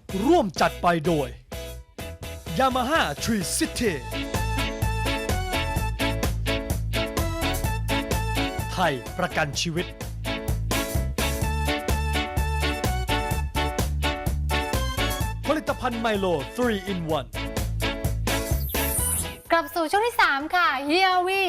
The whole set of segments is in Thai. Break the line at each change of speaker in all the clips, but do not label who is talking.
ร่วมจัดไปโดย Yamaha Tree City ไทยประกันชีวิตผลิตภัณฑ์ไมโล 3 in 1
กลับสู่ช่วงที่ 3 ค่ะเฮียวี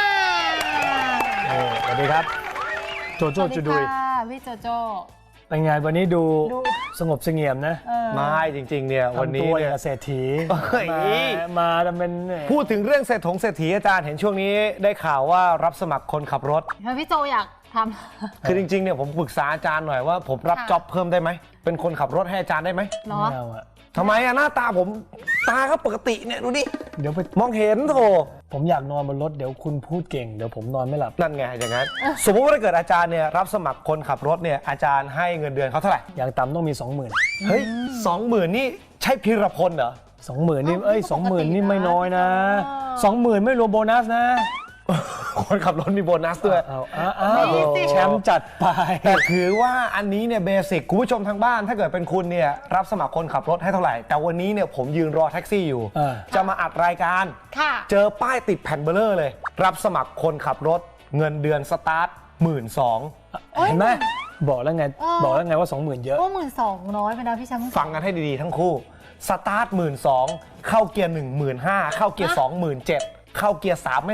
สวัสดีครับโจโจ้จูดุย
พี่โจโจ
เป็นไงวันนี้ดูสงบเสงี่ยมนะ
ไม่จริงๆเนี่ยวันนี้
ทำตัวอ
เนี่
ย่าย งเศรษฐี
เฮ้ย
มาทำเป็น
พูดถึงเรื่องเศรษฐีอาจารย์เห็นช่วงนี้ได้ข่าวว่ารับสมัครคนขับรถ
พี่โจอยากท
คือจริงๆเนี่ยผมปรึกษาอาจารย์หน่อยว่าผมรับ
ค่ะ
จ็อบเพิ่มได้ไหมเป็นคนขับรถให้อาจารย์ได้ไหม
ำเนาะ
ไม่เอาอะ
ทำไมอะหน้าตาผมตาก็ปกติเนี่ยดูดิ
เดี๋ยวไป
มองเห็นโถ
ผมอยากนอนบนรถเดี๋ยวคุณพูดเก่งเดี๋ยวผมนอนไม่หลับ
นั่นไงอย่างนั้น สมมติว่าถ้าเกิดอาจารย์เนี่ยรับสมัครคนขับรถเนี่ยอาจารย์ให้เงินเดือนเขาเท่าไหร่
อย่างต่ำต้องมี 20,000
เฮ้ย20,000นี่ใช่พีรพลเหรอ
20,000นี่20,000นี่ไม่น้อยนะ 20,000ไม่รวมโบนัสนะ
คนขับรถมีโบนัสด้วย
เอาแชมป์จัดไป
แต่ถือว่าอันนี้เนี่ยเบสิกคุณผู้ชมทางบ้านถ้าเกิดเป็นคุณเนี่ยรับสมัครคนขับรถให้เท่าไหร่ แต่วันนี้เนี่ยผมยืนรอแท็กซี่อยู่ จะมาอัดรายการ
ค่ะ
เจอป้ายติดแผ่นเบลเลอร์เลย รับสมัครคนขับรถเงินเดือนสตาร์ท12,000
เห็นไหมบอกแล้วไงว่า 20,000 เยอะ
โอ้12,000ไปนะพี่แชมป์
ฟังกันให้ดีๆทั้งคู่สตาร์ท12,000เข้าเกียร์15,000เข้าเกียร์27,000เข้าเกียร์3ไม่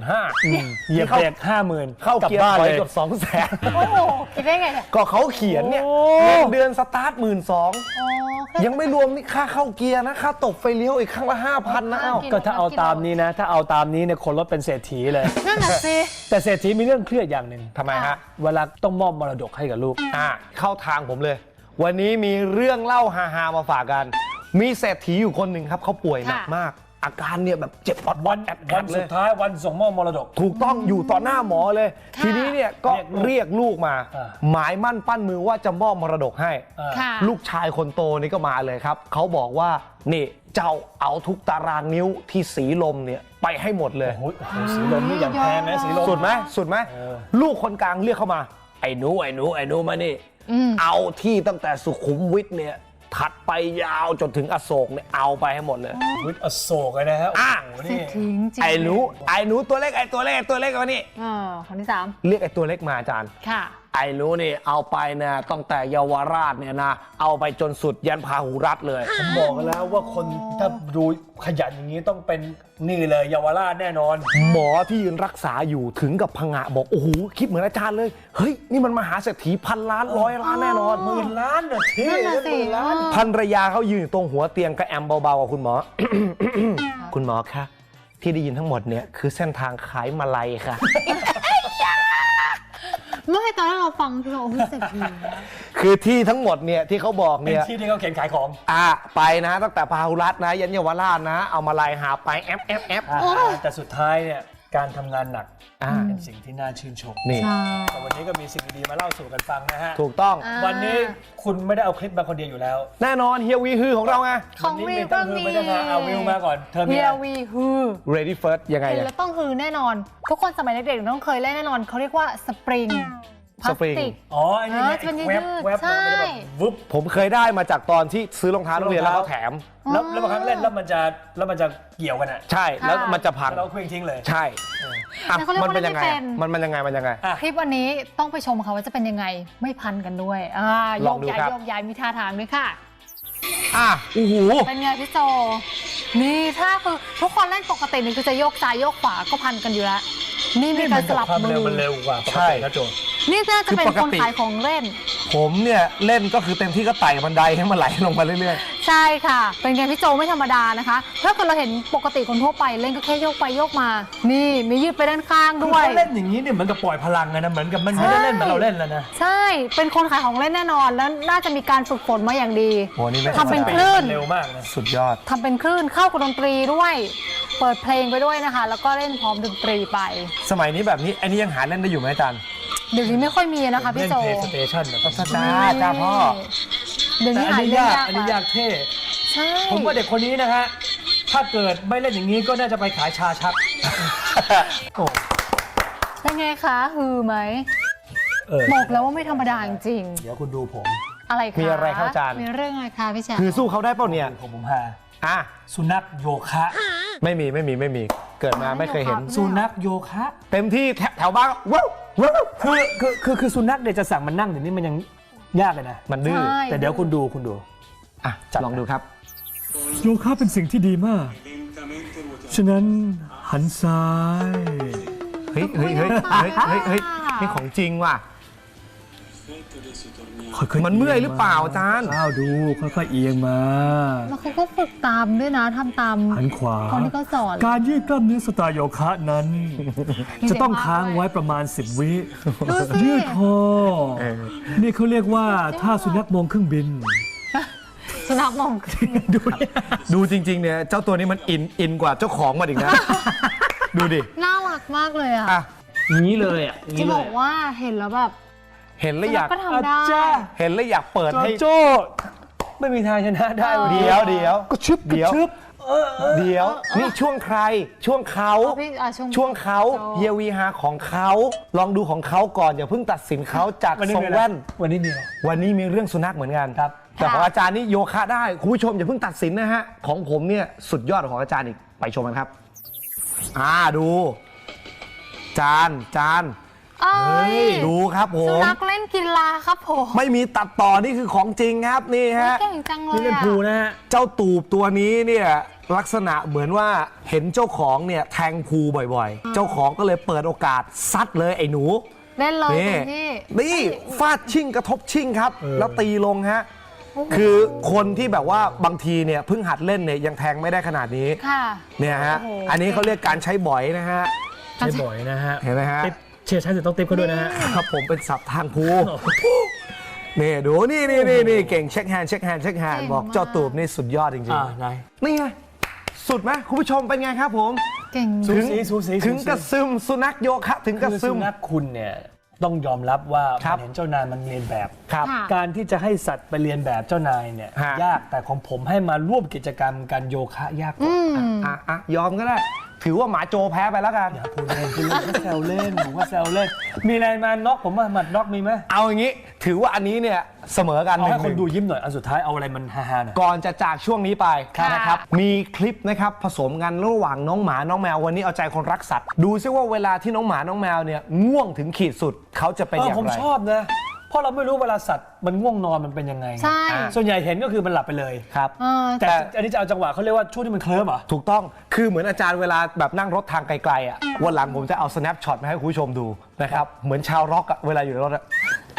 35,000
เหยียบเบรก50,000
เข้าเกียร์ถอยเกือบ200,000
โอ้โหคิดได้ไงเนี่ย
ก็เขาเขียนเนี่ย
โอ้
เงินเดือนสตาร์ท12,000
อ๋อ
ยังไม่รวมนี่ค่าเข้าเกียร์นะค่าตบไฟเลี้ยวอีกครั้งละ 5,000 นะเอ้า
ก็ถ้าเอาตามนี้นะ ถ้าเอาตามนี้เนี่ยคนรถเป็นเศรษฐีเลย
นั่นน่ะสิ
แต่เศรษฐีมีเรื่องเครียดอย่างหนึ่ง
ทำไมฮะ
เวลาต้องมอบมรดกให้กับลูก
เข้าทางผมเลย วันนี้มีเรื่องเล่าฮาๆมาฝากกัน มีเศรษฐีอยู่คนหนึ่งครับเขาป่วยหนักมาก อาการเนี่ยแบบเจ็บปอดวันแอด
วัน
เล
สุ
ย
ดท้ายวันส่งมอบมรดก
ถูกต้องอยู่ต่อหน้าหมอเลย
ค่ะ
ทีนี้เนี่ยก็เรียกลูกมา
อ่า
หมายมั่นปั้นมือว่าจะมอบมรดกให้
ค่ะ
ลูกชายคนโตนี่ก็มาเลยครับ เขาบอกว่านี่เจ้าเอาทุกตารางนิ้วที่สีลมเนี่ยไปให้หมดเลย
โอ้โหสีลมนี่อย่างแพงนะสีลม
สุดไหมสุดไหม
เออ
ลูกคนกลางเรียกเข้ามา ไอ้หนูมานี่ เอาที่ตั้งแต่สุขุมวิทเนี่ยถัดไปยาวจนถึงอโศกเนี่ยเอาไปให้หมดเลย
วิทย์อโศกเลยนะฮะ
อ่ะ
โอ้โห
เศร
นี่
ษฐีจริง
ไอ้หนูตัวเล็กมานี่
คนที่
เรียกไอ้ตัวเล็กมาอาจารย์
3 ค่ะ
ไอ้หนูนี่เอาไปนะตั้งแต่เยาวราชเนี่ยนะเอาไปจนสุดยันพาหุรัฐเลย
ผมบอกกันแล้วว่าคนถ้าดูขยันอย่างนี้ต้องเป็นนี่เลยเยาวราชแน่นอน
หมอที่ยืนรักษาอยู่ถึงกับพงะบอกโอ้โหคิดเหมือนอาจารย์เลยเฮ้ยนี่มันมหาเศรษฐีพันล้านร้อยล้านแน่นอน
10,000 ล้านน่ะที่
นั่นน่ะสิ
10,000 ล้าน
ภรรยาเขายืนอยู่ตรงหัวเตียงก็แอมเบาๆกับคุณหมอ คุณหมอคะที่ได้ยินทั้งหมดเนี่ยคือเส้นทางขายมาลัยค่ะ
เมื่อตอนแรกเราฟังพี่เราเศรษฐีนะ
คือที่ทั้งหมดเนี่ยที่เขาบอก
เป็น
เนี่ย
ที่ที่เขาเขียนขายของ
ไปนะตั้งแต่พาหุรัฐนะยันเยาวราชนะ เอามาลัยหาไปแอฟ
แต่สุดท้ายเนี่ยการทำงานหนัก
อ่า
เป็นสิ่งที่น่าชื่นชม
นี่
ใช่
แต่วันนี้ก็มีสิ่งดีๆมาเล่าสู่กันฟังนะฮะ
ถูกต้อง
วันนี้คุณไม่ได้เอาคลิปมาคนเดียวอยู่แล้ว
แน่นอนเฮียวีฮือของเราไง
ของ
วันนี้
วิว
ไม่ต้
ก็
องฮือ
มี
ไม่ต้องมาเอาวิวมาก่อนเธอมี
เฮี
อะ
ย
ไร
วีฮือ
ready first ยังไง
เห็น
อะ
แล้วต้องฮือแน่นอน ทุกคนสมัยเด็กๆต้องเคยเล่นแน่นอนเขาเรียกว่าสปริงพลาสติก
อ๋อไอ้นี่ไง
จะเป็น
ไอ้
ยืดๆ
แวบ
ใช่
มันจะแบบวึบ
ผมเคยได้มาจากตอนที่ซื้อรองเท้านักเรียนแล้วเขาแถม
แล้วบางครั้งเล่นแล้วมันจะเกี่ยวกันอ่ะ
ใช่แล้วมันจะพัง
แล้วเราเคลื่อนทิ้งเลย
ใช่อ่ะ
แต่เขาเรียก
มัน
ว่า
เป็นยังไง
ไม่
อะ
เป็น
มันยังไง
อ่ะ
คลิปวันนี้ต้องไปชมค่ะว่าจะเป็นยังไงไม่พันกันด้วยโย
ลอง
ก
ดู
ย้าย
ครับ
โยกย้ายมีท่าทางด้วยค่ะ
โอ้โห
เป็นไงพี่โจ นี่ถ้าคือทุกคนเล่นปกตินี่คือจะโยกซ้ายโยกขวาก็พันกันอยู่แล้ว นี่มีการสลับ
ความ
มื
เร็ว
อ
มันเร็วกว่าปก
ใช่
ตินะโจ
นี่น่าจะเป็น
คือป
ค
ก
น
ติ
ขายของเล่น
ผมเนี่ยเล่นก็คือเต็มที่ก็ไต่บันไดให้มันไหลลงมาเรื่อย
ใช่ค่ะ เป็นไงพี่โจไม่ธรรมดานะคะ ถ้าเกิดเราเห็นปกติคนทั่วไปเล่นก็แค่โยกไปโยกมา นี่มียืดไปด้านข้าง
คือ
ด้วย
เขาเล่นอย่างนี้เนี่ยเหมือนกับปล่อยพลังไงนะเหมือนกับมันไม่ได้เล่นเหมือนเราเล่นแล้วนะ
ใช่ เป็นคนขายของเล่นแน่นอน แล้วน่าจะมีการฝึกฝนมาอย่างดี
ๆโหนี่ไม่
ทำเป็น
ธรรมดา
คลื่น
เร็วมากนะ
สุดยอด
ทำเป็นคลื่นเข้ากับดนตรีด้วย เปิดเพลงไปด้วยนะคะ แล้วก็เล่นพร้อมดนตรีไป
สมัยนี้แบบนี้อันนี้ยังหาเล่นได้อยู่ไหมอาจารย์
เดี๋ยวนี้ไม่ค่อยมีนะคะพี่
เล่น
โจ
เพลย์สเตชันแบบ
จ้าพ่อ
เดี๋ยว
แต่
นี้
อัน
หา
นี้
เล่น
ยาก
ยาก
อันนี้ยากเท่
ใช่
ผมว่าเด็กคนนี้นะฮะถ้าเกิดไม่เล่นอย่างนี้ก็น่าจะไปขายชาชักโอ้
เป็นไงคะฮือไหม บอกแล้วว่าไม่ธรรมดาจริง
เดี๋ยวคุณดูผม
อะไรคะ
มีอะไรครับอาจารย์
มีเรื่องอะไรคะพี่แชมป์
คือสู้เขาได้เปล่าเนี่ย
ผมหา
อ่ะ
สุนัขโยคะ
ไม่มีเกิดมาไม่เคยเห็น
สุนัขโยคะ
เต็มที่แถวบ้านว้าวว้าว
คือสุนัขเนี่ยจะสั่งมันนั่งเดี๋ยวนี้มันยังยากเลยนะ
มันดื้อ
ใช่
แต่เดี๋ยวคุณดู
อ่ะลองดูครับ
โยคะเป็นสิ่งที่ดีมาก ฉะนั้นหันซ้าย
เฮ้ยนี่ของจริงว่ะ มันเมื่อยหรือเปล่าอาจารย์
อ้าวดูค่อยๆเอียงมา
แล้วเขาก็ฝึกตามด้วยนะทำตาม
หันขวา
คนที่เขาสอน
การยืดกล้ามเนื้อสไตล์โยคะนั้น จะต้องค้างไว้ประมาณ 10 วิ
ดูสิ
ยืดคอ
เออ
นี่เขาเรียกว่าท่าสุนัขมองเครื่องบิน
สุนัขมอง
ดูจริงๆเนี่ยเจ้าตัวนี้มันอินกว่าเจ้าของมันอีกนะ ดูดิ
น่ารักมากเลยอ่ะ
อ่ะ
อย่างนี้เลยอ่ะ
จะบอกว่าเห็นแล้วแบบ
เห็นแล้วอยาก
ก็ทำได้
เห็นแล้วอยากเปิดให้
โจ้ไม่มีทางชนะได้วันนี้
เดี๋ยวก็ชึบเดี๋ยวนี่ช่วงใครช่วงเขา
เอาพี่
ช่วงเขา
โจ้
เฮียวีฮาของเขาลองดูของเขาก่อนอย่าเพิ่งตัดสินเขาจาก
วันนี้
ทรง
มีอะไร
แว่น
วันนี้มีอะไร
วันนี้มีเรื่องสุนัขเหมือนกัน
ครับ
แต่ของอาจารย์นี่โยคะได้คุณผู้ชมอย่าเพิ่งตัดสินนะฮะของผมเนี่ยสุดยอดของอาจารย์อีกไปชมกันครับดูจาน
เอ้ย
ดูครับผ
สุ
ม
นัขเล่นกีฬาครับผม
ไม่มีตัดต่อนี่คือของจริงครับนี่ฮะ
เก่งจังเลย
นี่เป็น
อ่ะ
ภูนะฮะ
เจ้าตูบตัวนี้เนี่ยลักษณะเหมือนว่าเห็นเจ้าของเนี่ยแทงพูบ่อยๆ เจ้าของก็เลยเปิดโอกาสซัดเลยไอ้หนู
เล่นเลย
นี่
เต็มที่
นี่ฟาดชิ่งกระทบชิ่งครับ แล้วตีลงฮะคือคนที่แบบว่าบางทีเนี่ยเพิ่งหัดเล่นเนี่ยยังแทงไม่ได้ขนาดนี้
ค่ะ
เนี่ยฮะ
โอ้โห
อันนี้เขาเรียกการใช้บ่อยนะฮะ
ใช่บ่อยนะฮะ
เห็นไหมฮะ
ติ๊บเชียร์ใช้เสร็จต้องติ๊บเขาด้วยนะฮะ
ครับผมเป็นศัพท์ทางภูนี่ดูนี่เก่งเช็คแฮนด์บอกเจ้าตูบนี่สุดยอดจริง
ไหน
ๆนี่ไงสุดไหมคุณผู้ชมเป็นไงครับผม
เก่ง
สูสีสูสี
ถึงกระซึมสุนัขโยคะถึงกระ
คือ
ซึ
สุ
ม
นัขคุณเนี่ยต้องยอมรับว่า
ครับ
มันเห็นเจ้านายมันเรียนแบบ
ครับ
ค่ะ
การที่จะให้สัตว์ไปเรียนแบบเจ้านายเนี่ย
ฮะ
ยากแต่ของผมให้มาร่วมกิจกรรมการโยคะยากกว่า
ยอมก็ได้ ถือว่าหมาโจแพ้ไปแล้วกัน
อย่าพูดเล่นก็แซวเล่นผมก็แซวเล่น มีอะไรมาน็อกผมว่าหมัดน็อกมีไหม
เอาอย่างนี้ ถือว่าอันนี้เนี่ยเสมอกัน
เอาให้
1-1
คนดูยิ้มหน่อยอันสุดท้ายเอาอะไรมันฮาๆหน่อย
ก่อนจะจากช่วงนี้ไป
ค่ะ
นะครับมีคลิปนะครับผสมกันระหว่างน้องหมาน้องแมววันนี้เอาใจคนรักสัตว์ดูซิว่าเวลาที่น้องหมาน้องแมวเนี่ยง่วงถึงขีดสุดเขาจะเป็นอย่าง
ผม
ไร
ชอบนะ เพราะเราไม่รู้เวลาสัตว์มันง่วงนอนมันเป็นยังไง
ใช่
ส่วนใหญ่เห็นก็คือมันหลับไปเลย
ครับ
แต่อันนี้จะเอาจังหวะเขาเรียกว่าช่วงที่มันเคลิ้มเหรอ
ถูกต้อง คือเหมือนอาจารย์เวลาแบบนั่งรถทางไกลๆอ่ะ วันหลังผมจะเอา snapshot มาให้คุณผู้ชมดูนะครับ เหมือนชาวร็อกอะเวลาอยู่ในรถอะ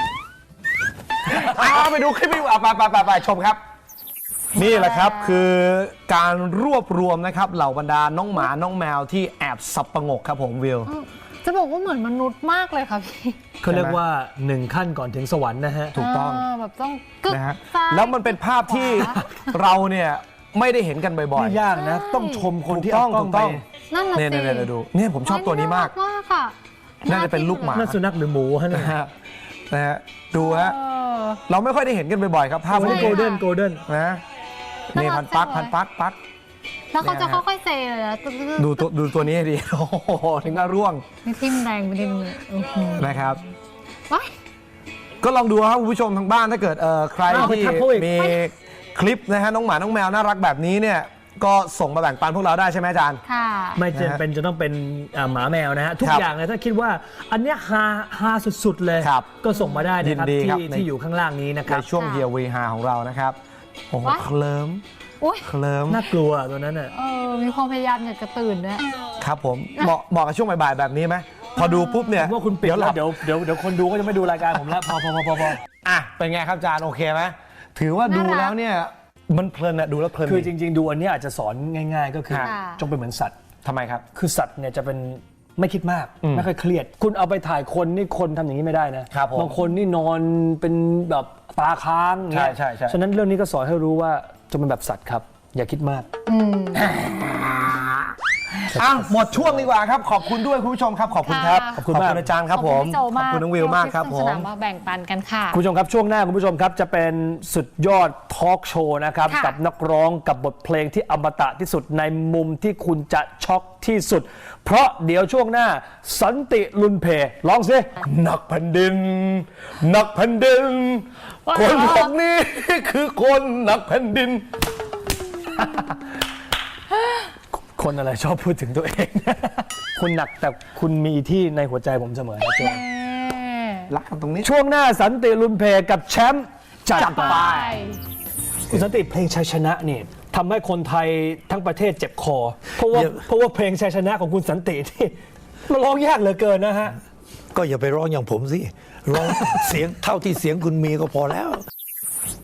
ไปดูคลิปนี้ไปชมครับ นี่แหละครับคือการรวบรวมนะครับเหล่าบรรดาน้องหมาน้องแมวที่แอบสับประงกครับผมวิว
จะบอกว่าเหมือนมนุษย์มากเลยค่ะพี่
เขาเรียกว่า1ขั้นก่อนถึงสวรรค์นะฮะ
ถูกต้อง
แบบต้องกึก
นะฮะ
ซ้าย
แล้วมันเป็นภาพที่
ขวา
เราเนี่ยไม่ได้เห็นกันบ่อย
ไม่ยากนะ ต้องชมคนที่
ถูกต้
เอา
อง
กล้อง
ถูก
ไป
ต้อง
นั่น
ๆ
น่ะ
เนี่ย
สิ
ดูเนี่ยผมชอบตัวนี้มาก
มากค่ะ
น่าจะเป็นลูกหมา
นั่นสุนัขหรือหมูฮะเนี่ย
นะฮะดูฮะ
เออ
เราไม่ค่อยได้เห็นกันบ่อยๆครับภาพ
โอ้
พวก
ย
นี้
โกลเด้นโกลเด้น
นะนี่
น่ารั
พั
ก
นปัก
จังเลย
พันปักปัก
แล้วเขาจะ
เนี่ยฮะ
ค่อยๆเซเลยนะ
ดูตัวนี้ให้ดี โอ้โหถึงกับร่วง
นี่ทิ่มแรงไปนิดนึงอื้อหือ
นะครับ
ว้าย
ก็ลองดูครับคุณผู้ชมทางบ้านถ้าเกิดใคร
อ้าวไป
ที่
ทักเขาอีก
มีคลิปนะฮะน้องหมาน้องแมวน่ารักแบบนี้เนี่ยก็ส่งมาแบ่งปันพวกเราได้ใช่ไหมอาจารย์
ค่ะ
ไม่จำเป็นจะต้องเป็นหมาแมวนะฮะ ทุก
ครับ
อย่างเลยถ้าคิดว่าอันเนี้ยฮาสุดๆเลย
ครับ
ก็ส่งมาได้นะครับ
ยินดีครับ
ที่อยู่ข้างล่างนี้นะค
ใน
รับ
ช่วงเฮียวีฮาของเรานะครับโอ้โห
ว้าย
เคลิ้ม
อุ้ย
เคลิ้ม
น่ากลัวตัวนั้นอ่ะ
มีความพยายามอยากจะตื่นด้วย
ครับผมเหมาะกับช่วงบ่ายๆแบบนี้ไหมพอดูปุ๊บเนี่ย
ผมว่าคุณปิด
ห
แล้
ลั
วเดี๋ยวคนดูก็จะไม่ดูรายการผมแล้วพอ
อ่ะเป็นไงครับอาจารย์โอเคไหมถือว่าดู
น่ารัก
แล้วเนี่ยมันเพลินอะดูแล้วเพลิน
คือ
ดี
จริง ๆ ดูอันเนี้ยอาจจะสอนง่าย ๆ ก็คือ
ค่ะ
จงเป็นเหมือนสัตว์
ทำไมครับ
คือสัตว์เนี่ยจะเป็นไม่คิดมาก
อืม
ไม่ค่อยเครียด คุณเอาไปถ่ายคนนี่คนทำอย่างนี้ไม่ได้นะครับ
ผม
บางคนนี่นอนเป็นแบบตาค้างอย่างเงี้ย
ใช่
ฉะนั้นเรื่องนี้ก็สอนให้รู้ว่าจงเป็นแบบสัตว์ครับ อย่าคิดมาก
อืม
อ้าวหมดช่วงดีกว่าครับขอบคุณด้วยคุณผู้ชมครับขอบคุณครับ
ค่ะ
ขอบคุณมากอาจารย์ครับผม
ขอบคุณพี่โจมาก
ขอบคุณน้องวิวมากครับผ
ที่
ม
เอาคลิปสนามมาแบ่งปันกันค่ะ
คุณผู้ชมครับช่วงหน้าคุณผู้ชมครับจะเป็นสุดยอดทอล์กโชว์นะครับ
ค่ะ
กับนักร้องกับบทเพลงที่อมตะที่สุดในมุมที่คุณจะช็อกที่สุด เพราะเดี๋ยวช่วงหน้าสันติลุนเพร้องสิหนักแผ่นดินหนักแผ่นดินคนพวกนี้คือคนหนักแผ่นดิน คนอะไรชอบพูดถึงตัวเอง คุณหนักแต่คุณมีที่ในหัวใจผมเสมอนะโจ
รักกันตรงนี้
ช่วงหน้าสันติลุนเพกับแชมป์จัด
จัด
ไป
ไป
คุณสันติเพลงชัยชนะนี่ทำให้คนไทยทั้งประเทศเจ็บคอ เพราะว่าเพลงชัยชนะของคุณสันติที่มันร้องยากเหลือเกินนะฮะ
ก็อย่าไปร้องอย่างผมสิ ร้อง เสียงเท่าที่เสียงคุณมีก็พอแล้ว